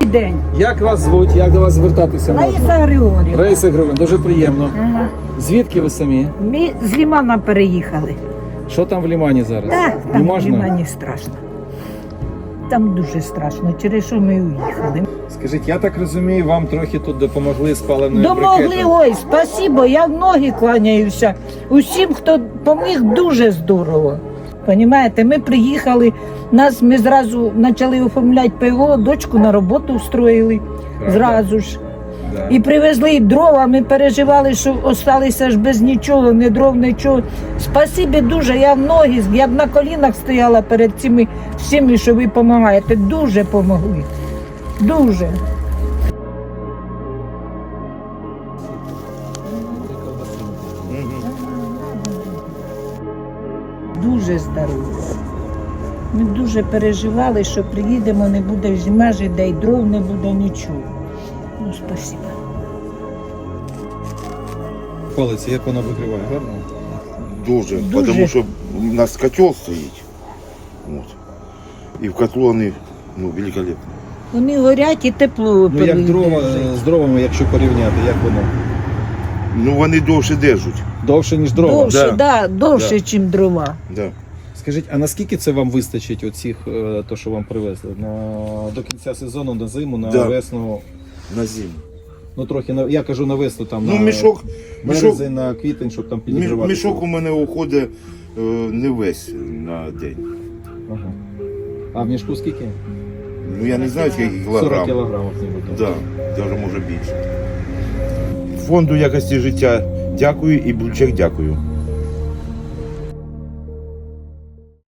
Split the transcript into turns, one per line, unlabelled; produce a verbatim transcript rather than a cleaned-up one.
день.
Як вас звуть? Як до вас звертатися можна?
Лариса Григорівна.
Раїса Григорівна, дуже приємно.
Ага.
Звідки ви самі?
Ми з Лімана переїхали.
Що там в Лімані зараз?
Так,
Не
там в
можна?
Лімані страшно. Там дуже страшно, через що ми уїхали.
Скажіть, я так розумію, вам трохи тут допомогли з паливною
Домогли,
брикетом.
ой, спасибо, я в ноги кланяюся. Усім, хто допоміг, дуже здорово. Понімаєте, ми приїхали, нас ми зразу почали оформляти ПВО, дочку на роботу устроїли,
Правда?
зразу ж.
Да.
І привезли дрова, ми переживали, що залишилися ж без нічого, ні дров, нічого. Спасибі дуже, я в ноги, я б на колінах стояла перед цими всіми, що ви допомагаєте. Дуже допомогли. Дуже. Дуже здорові. Ми дуже переживали, що приїдемо, не буде зима, де й дров не буде, нічого. Ну, спасибо.
Полиці, як вона викриває, гарно?
Дуже,
Дуже.
тому що у нас котел стоїть. От. І в котлу вони ну, великолепні.
Вони горять і тепло.
Ну як дрова
переїжджають.
з дровами, якщо порівняти, як воно?
Ну вони довше держать.
Довше, ніж дрова?
Довше,
Да.
да, довше,
Да.
ніж дрова.
Да.
Скажіть, а наскільки це вам вистачить оцих, е, то, що вам привезли? На, до кінця сезону, на зиму, на
Да.
весну?
На зиму.
Ну трохи, на, я кажу на весну, там
Ну
на
мішок, мішок,
березень, на квітень, щоб там
мі-
підігрівати.
мішок у мене уходить е, не весь на день.
Ага. А в мішку скільки?
Ну я не знаю, скільки
сорок
кілограм.
кілограмів, ніби.
Да, навіть може більше. Фонду якості життя дякую і Бульчак дякую.